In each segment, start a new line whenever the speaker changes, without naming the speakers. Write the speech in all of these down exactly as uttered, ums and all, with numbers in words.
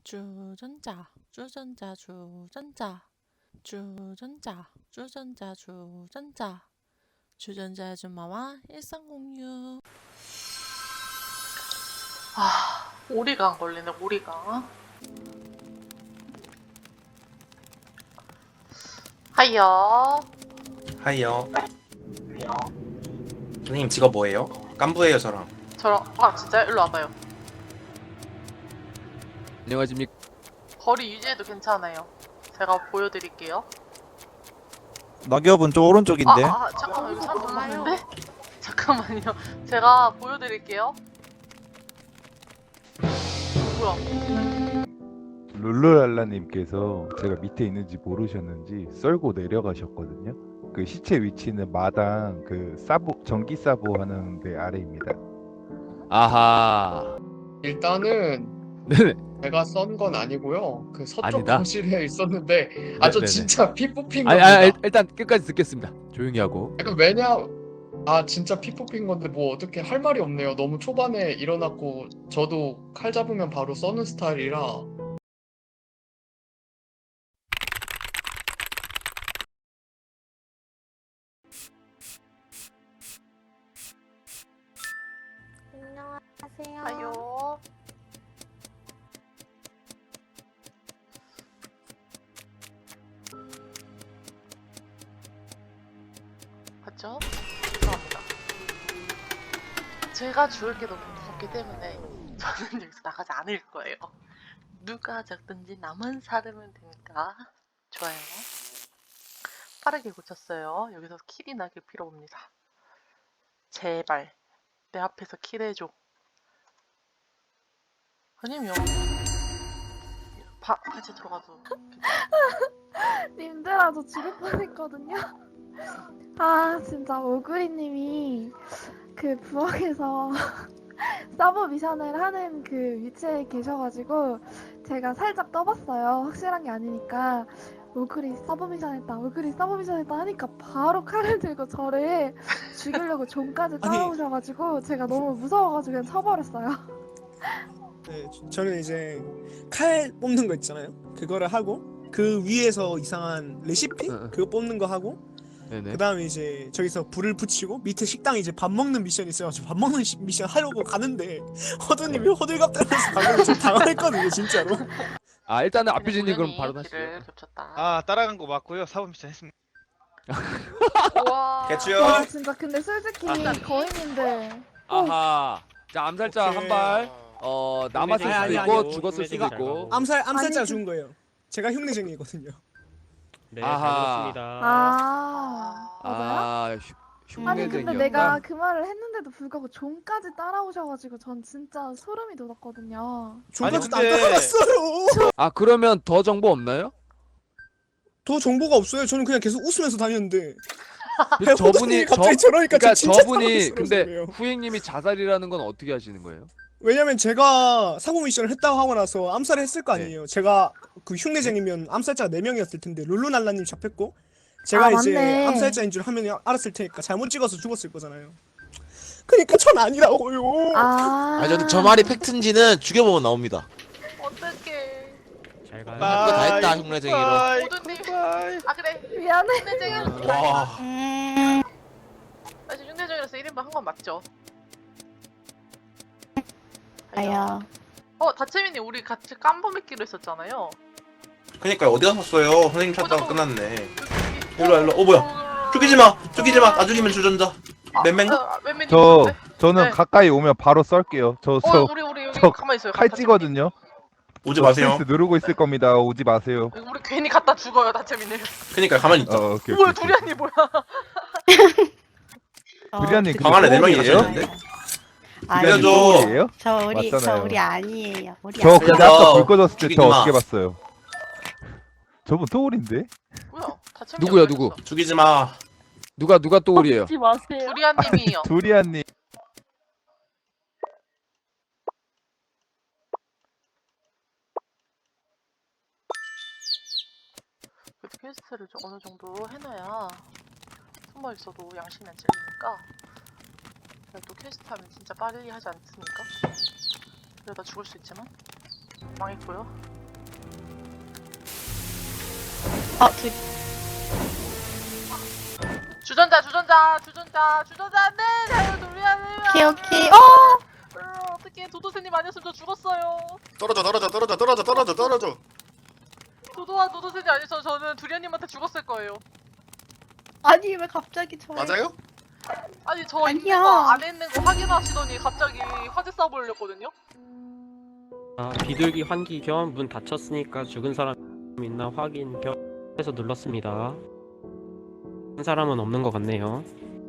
주전자, 주전자, 주전자, 주전자, 주전자, 주전자, 주전자 아줌마와 일상 공유. 아, 오리가 안 걸리네, 오리가. 하이요.
하이요. 선생님 직업 뭐예요? 깐부예요 저랑.
저랑, 아, 진짜? 일로 와봐요.
안녕하십니까.
거리 유지해도 괜찮아요. 제가 보여드릴게요.
낙엽은 저 오른쪽인데.
아, 아, 잠깐만, 여기 사람 너무 많은데? 잠깐만요. 제가 보여드릴게요. 뭐야?
룰루랄라님께서 제가 밑에 있는지 모르셨는지 썰고 내려가셨거든요. 그 시체 위치는 마당 그 사보 전기 사보 하는 데 아래입니다.
아하.
일단은
네네.
제가 썬 건 아니고요. 그 서쪽
아니다?
거실에 있었는데 아 저
네네네.
진짜 피 뽑힌
아니,
겁니다.
아니, 일단 끝까지 듣겠습니다. 조용히 하고.
약간 왜냐 아 진짜 피 뽑힌 건데 뭐 어떻게 할 말이 없네요. 너무 초반에 일어났고 저도 칼 잡으면 바로 써는 스타일이라.
안녕하세요.
하요. 맞죠? 죄송합니다. 제가 죽을 게 너무 무섭기 때문에 저는 여기서 나가지 않을 거예요. 누가 작든지 남은 살으면 되니까. 좋아요. 빠르게 고쳤어요. 여기서 킬이 나길 빌어봅니다. 제발 내 앞에서 킬해줘. 아니면 바, 같이 들어가도
님들아, 저 죽을 뻔했거든요. 아, 진짜 오구리님이 그 부엌에서 서브 미션을 하는 그 위치에 계셔가지고 제가 살짝 떠봤어요. 확실한 게 아니니까. 오구리 서브 미션 했다, 오구리 서브 미션 했다 하니까 바로 칼을 들고 저를 죽이려고 존까지 따라오셔가지고 제가 너무 무서워가지고 그냥 쳐버렸어요.
네, 저는 이제 칼 뽑는 거 있잖아요. 그거를 하고 그 위에서 이상한 레시피
응, 응.
그거 뽑는 거 하고
네네.
그 다음에 이제 저기서 불을 붙이고 밑에 식당에 이제 밥 먹는 미션이 있어가지고 밥 먹는 시- 미션 하려고 가는데 허드님이 호들갑 떨면서 방금 좀 당황했거든요, 진짜로.
아, 일단은 아피지님 그럼
우연히
바로
길을
하시죠.
겹쳤다.
아 따라간 거 맞고요. 사법 미션 했습니다.
우와.
개추요.
와, 진짜 근데 솔직히
아.
거인님들
아하. 자, 암살자
오케이.
한 발. 어, 남았을 수도
아니, 아니,
있고
아니,
죽었을 수도
이거-
있고.
암살 암살자가
아니,
죽은 거예요. 제가 흉내쟁이거든요.
네,
아하.
잘 들었습니다.
아, 맞아요?
아, 흉-
아니 근데
흉내쟁이였다.
내가 그 말을 했는데도 불구하고 존까지 따라오셔가지고 전 진짜 소름이 돋았거든요.
저까지 다
근데-
따라갔어요.
아, 그러면 더 정보 없나요?
더 정보가 없어요. 저는 그냥 계속 웃으면서 다녔는데
그 저분이 저
갑자기 저러니까
그러니까
저 진짜
저분이
당황스러웠어요.
근데 후행님이 자살이라는 건 어떻게 하시는 거예요?
왜냐면 제가 사고 미션을 했다고 하고 나서 암살을 했을 거
네.
아니에요. 제가 그 흉내쟁이면 암살자가 네 명이었을 텐데 룰루날라님 잡혔고 제가
아,
이제
맞네.
암살자인 줄 하면 알았을 테니까 잘못 찍어서 죽었을 거잖아요. 그니까 전 아니라고요.
아,
아니 저는 저 말이 팩트인지는 죽여보면 나옵니다.
어떡해.
잘
그거 다 했다 흉내쟁이로.
모두님. 아 그래.
미안해.
흉내쟁이.
와.
아 지금 흉내쟁이라서 일 인분 한 건 맞죠?
아야.
어 다채민이 우리 같이 깜보 맺기로 했었잖아요.
그니까 어디 갔었어요? 선생님 찾다가
어,
끝났네.
여기,
일로 와, 일로 와. 어 뭐야? 죽이지 마, 죽이지 마. 나 죽이면 주전자. 맨맨?
아, 맨맨이
저
있었는데?
저는
네.
가까이 오면 바로 썰게요. 저
어
저
우리 우리 여기
저
가만히 있어요.
칼
다채민이.
찌거든요.
오지 마세요.
스페이스 누르고 있을 겁니다. 오지 마세요.
우리 괜히 갖다 죽어요 다채민이.
그니까 가만히 있자.
어, 오케이.
뭐야
오케이, 오케이.
두리안이 뭐야?
두리안님
방 안에 네 명이
똥이에요?
가셨는데?
두리안님
알려줘.
똥이에요?
저 우리
맞잖아요.
저 우리 아니에요. 우리
저
아니.
근데
알려줘.
아까 불 꺼졌을 때
죽이지
저
마.
어떻게 봤어요? 저분 토울인데?
뭐야? 다채민이
누구야,
어디
누구?
갔어?
죽이지 마.
누가 누가 또울이에요?
두리안님이요.
두리안님.
그래도 퀘스트를 좀 어느 정도 해놔야 숨어 있어도 양심이 안 찔리니까. 그래도 퀘스트 하면 진짜 빨리 하지 않습니까? 그러다 죽을 수 있지만 망했고요.
아, 그,
주전자 주전자 주전자 주전자 안돼. 자유 우리하네요.
오케이, 오케이. 어!
어떻게 도도새님 아니었으면 저 죽었어요.
떨어져 떨어져 떨어져 떨어져 떨어져 떨어져.
도도와 도도새님 아니었으면 저는 두리안님한테 죽었을 거예요.
아니, 왜 갑자기 저를.
맞아요?
아니 저 있는
아니야.
거 안에 있는 거 확인하시더니 갑자기 화재 쏴 보려거든요.
아, 비둘기 환기 겸 문 닫혔으니까 죽은 사람 있나 확인 겸 해서 눌렀습니다. 한 사람은 없는 것 같네요.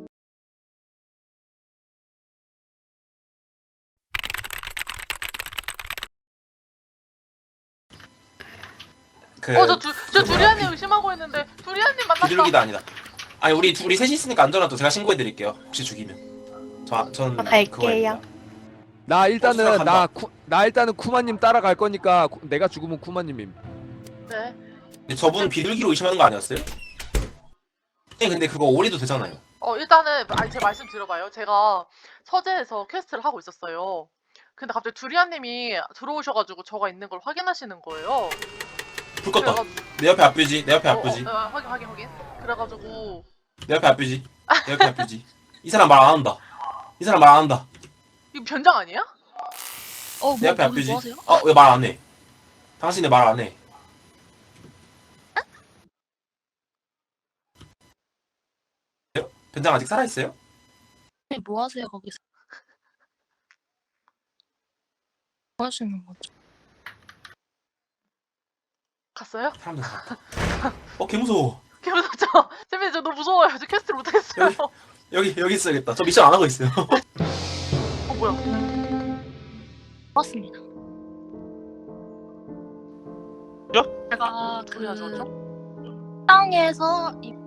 그
어저 저
그
두리안님
뭐야,
의심하고 있는데 두리안님 만났다.
비둘기도 아니다. 아니 우리 둘이 셋이 있으니까 안전하도 제가 신고해드릴게요. 혹시 죽이면. 저 전
갈게요.
나 일단은
버스가 간다.
나, 쿠, 나 일단은 쿠마님 따라갈 거니까 구- 내가 죽으면 쿠마님임.
네.
근데 저분 비둘기로 의심하는 거 아니었어요? 네, 근데 그거 오리도 되잖아요.
어 일단은 아니 제 말씀 들어봐요. 제가 서재에서 퀘스트를 하고 있었어요. 근데 갑자기 두리안님이 들어오셔가지고 저가 있는 걸 확인하시는 거예요.
불 껐다.
그래가지고-
내 옆에 앞뷰지. 내 옆에
어,
앞뷰지.
어, 어, 확인 확인 확인. 그래가지고
내 옆에 앞뷰지. 내 옆에 앞뷰지. 이 사람 말 안 한다. 이 사람 말 안 한다.
이거 변장 아니야?
어,
내 옆에
뭐,
앞뷰지.
뭐 하세요?
어, 왜 말 안 해? 당신이 말 안 해. 변장 아직 살아있어요?
네, 뭐 하세요, 거기서? 뭐 하시는 거죠?
갔어요?
사람들 살았다. 어, 개 무서워.
개 무섭죠? 선배님 저 너무 무서워요. 저 퀘스트를 못하겠어요.
여기, 여기 있어야겠다. 저 미션 안 하고 있어요.
어 뭐야?
맞습니다.
저?
제가
뭐야, 저죠?
그 땅에서 이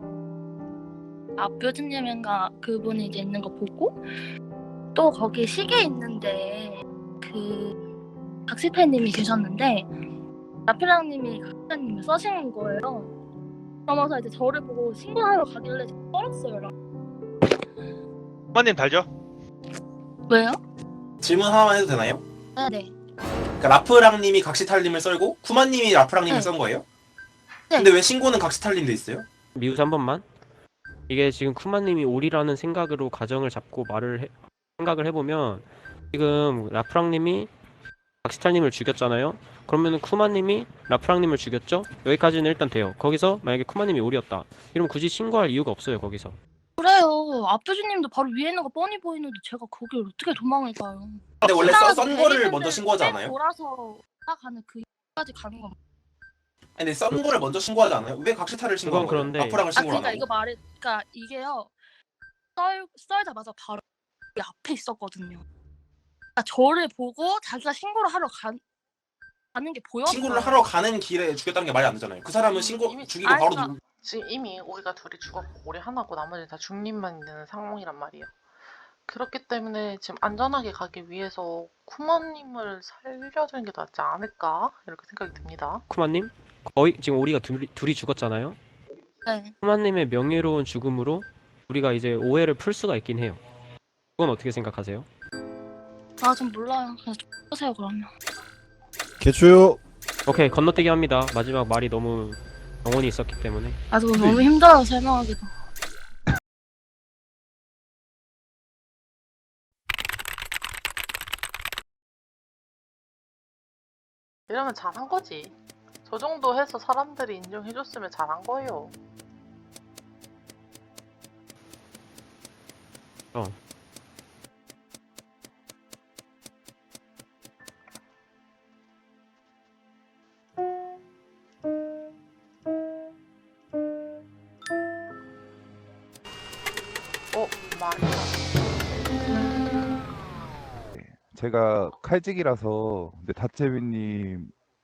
앞표진님인가 그분이 이제 있는 거 보고 또 거기 시계 있는데 그 박시태님이 계셨는데 라필랑님이 각시태님을 써신 거예요. 그러면서 이제 저를 보고 신고하러 가길래 떨었어요.
쿠마님 달죠?
왜요?
질문 하나만 해도 되나요?
네네.
그러니까 라프랑님이 각시탈님을 썰고 쿠마님이 라프랑님을
네.
썬 거예요?
네.
근데 왜 신고는 각시탈님도 있어요?
미우스 한 번만. 이게 지금 쿠마님이 오리라는 생각으로 가정을 잡고 말을 해, 생각을 해보면 지금 라프랑님이 박시탈님을 죽였잖아요. 그러면은 쿠마님이 라프랑님을 죽였죠? 여기까지는 일단 돼요. 거기서 만약에 쿠마님이 오리였다. 이러면 굳이 신고할 이유가 없어요. 거기서.
그래요. 앞표진님도 바로 위에 있는 거 뻔히 보이는데 제가 거길 어떻게 도망을 가요?
근데 원래 써, 썬
지나가서
거를
베리는데
먼저 신고하지 않아요?
돌아서 가는 그까지 가는 건.
아니, 근데 썬 거를 먼저 신고하지 않아요? 왜 각시탈을 신고한
그건
거예요?
그런데-
라프랑을
아
신고를 안
그러니까
하고?
이거 말이 그러니까 이게요. 썰 썰자마자 바로 이 앞에 있었거든요. 그러니까 저를 보고 자기가 신고를 하러 가, 가는 게 보였어요.
신고를 하러 가는 길에 죽였다는 게 말이 안 되잖아요. 그 사람은 신고
이미-
죽이고
아니,
바로
그러니까-
누...
지금 이미 오리가 둘이 죽었고 오리 하나고 나머지 다 중립만 있는 상황이란 말이에요. 그렇기 때문에 지금 안전하게 가기 위해서 쿠마님을 살려주는 게 낫지 않을까 이렇게 생각이 듭니다.
쿠마님? 거의 지금 오리가 둘이, 둘이 죽었잖아요.
네.
쿠마님의 명예로운 죽음으로 우리가 이제 오해를 풀 수가 있긴 해요. 그건 어떻게 생각하세요?
아 좀 몰라요. 그냥 좀 보세요 그러면.
개추요.
오케이, 건너뛰기 합니다. 마지막 말이 너무 영혼이 있었기 때문에.
아 저 너무 힘들어요 설명하기도.
이러면 잘한 거지. 저 정도 해서 사람들이 인정해줬으면 잘한 거예요.
어.
어, 많이.
제가 칼직이라서 근데 다채비님이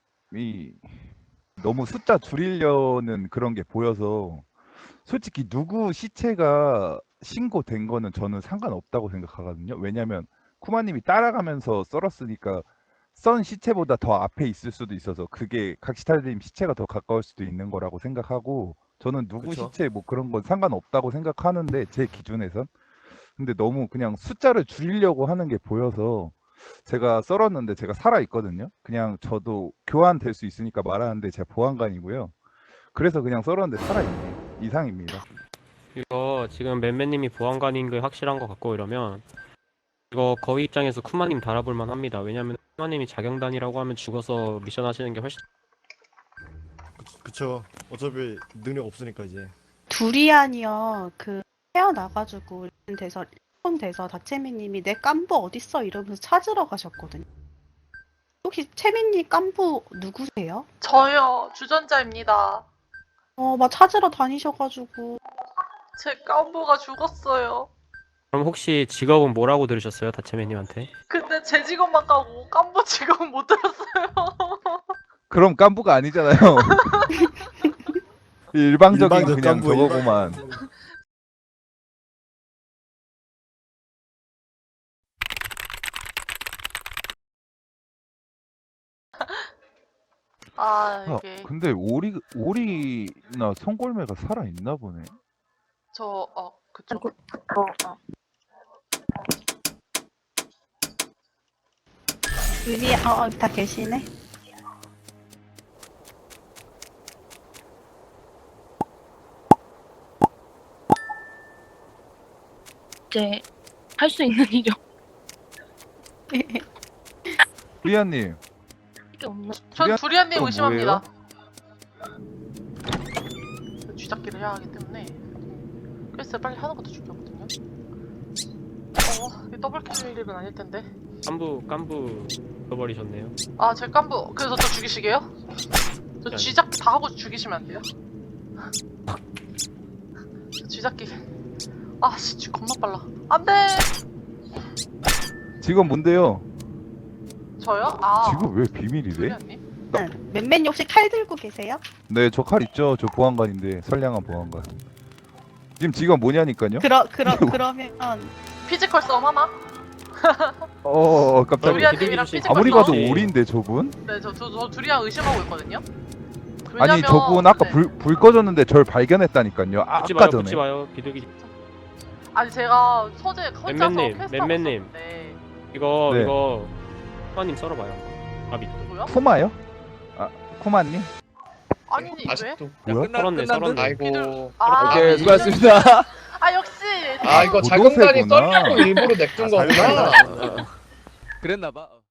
너무 숫자 줄이려는 그런 게 보여서 솔직히 누구 시체가 신고된 거는 저는 상관없다고 생각하거든요. 왜냐면 쿠마님이 따라가면서 썰었으니까 썬 시체보다 더 앞에 있을 수도 있어서 그게 각시탈님 시체가 더 가까울 수도 있는 거라고 생각하고 저는 누구
그쵸.
시체 뭐 그런 건 상관없다고 생각하는데 제 기준에선 근데 너무 그냥 숫자를 줄이려고 하는 게 보여서 제가 썰었는데 제가 살아 있거든요. 그냥 저도 교환될 수 있으니까 말하는데 제가 보안관이고요. 그래서 그냥 썰었는데 살아있네. 이상입니다.
이거 지금 맨맨님이 보안관인 게 확실한 것 같고 이러면 이거 거위 입장에서 쿠마님 달아볼만 합니다. 왜냐면 쿠마님이 자경단이라고 하면 죽어서 미션 하시는 게 훨씬
그쵸. 어차피 능력 없으니까 이제.
두리안이요. 그 태어나가지고 돼서 일본 돼서 다채미님이 내 깐부 어딨어 이러면서 찾으러 가셨거든요. 혹시 채미님 깐부 누구세요?
저요, 주전자입니다.
어, 막 찾으러 다니셔가지고
제 깐부가 죽었어요.
그럼 혹시 직업은 뭐라고 들으셨어요? 다채매님한테?
근데 제 직업만 까고 깐부 직업은 못 들었어요.
그럼 깐부가 아니잖아요. 일방적인
일방적
그냥
깐부,
저거구만.
아,
아,
이게
근데 오리 오리나 송골매가 살아 있나 보네.
저 어, 그쵸.
의리 어, 다 계시네.
이제 할 수 있는 일이
리아님,
없게 없나?
전
두리안-
두리안님
또
의심합니다. 쥐잡기를 해야 하기 때문에 퀘스트 빨리 하는 것도 중요하거든요. 어, 이 더블킬 일은 아닐 텐데.
깐부 깐부 잃어버리셨네요.
아, 제 깐부. 그래서 저 죽이시게요? 저
아니.
쥐잡기 다 하고 죽이시면 안 돼요? 저 쥐잡기. 아, 씨, 쥐 겁나 빨라. 안 돼!
지금 뭔데요?
저요? 아,
지금 왜 비밀이래?
두리안님?
응. 맨맨이 혹시 칼 들고 계세요?
네, 저 칼 있죠. 저 보안관인데 선량한 보안관. 지금 지금 뭐냐니까요?
그러 그러 그러면
피지컬 싸움 하나?
어, 어, 깜짝이야.
두리안님이랑
비둘기
피지컬
아무리
싸움?
봐도
혹시-
오리인데 저분?
네, 저, 저, 저 두리안 의심하고 있거든요?
아니
왜냐면-
저분 아까
네.
불, 불 꺼졌는데 절 발견했다니까요. 아,
붙지
아까
마요,
전에.
붙지 마요. 비둘기.
아니, 제가 서재 혼자서
맨맨님,
퀘스트 하고
맨맨님.
있었는데
이거
네.
이거 쿠마님 썰어봐요. 아 밑.
누구요?
쿠마요? 아, 쿠마님?
아니, 왜?
아직도
뭐야?
썰었네, 썰었네.
아이고.
아,
오케이,
아,
수고하셨습니다.
아, 역시!
아 이거
못
자경단이
오세구나.
썰려고 일부러 냅둔
아,
거구나.
자경단.
그랬나봐.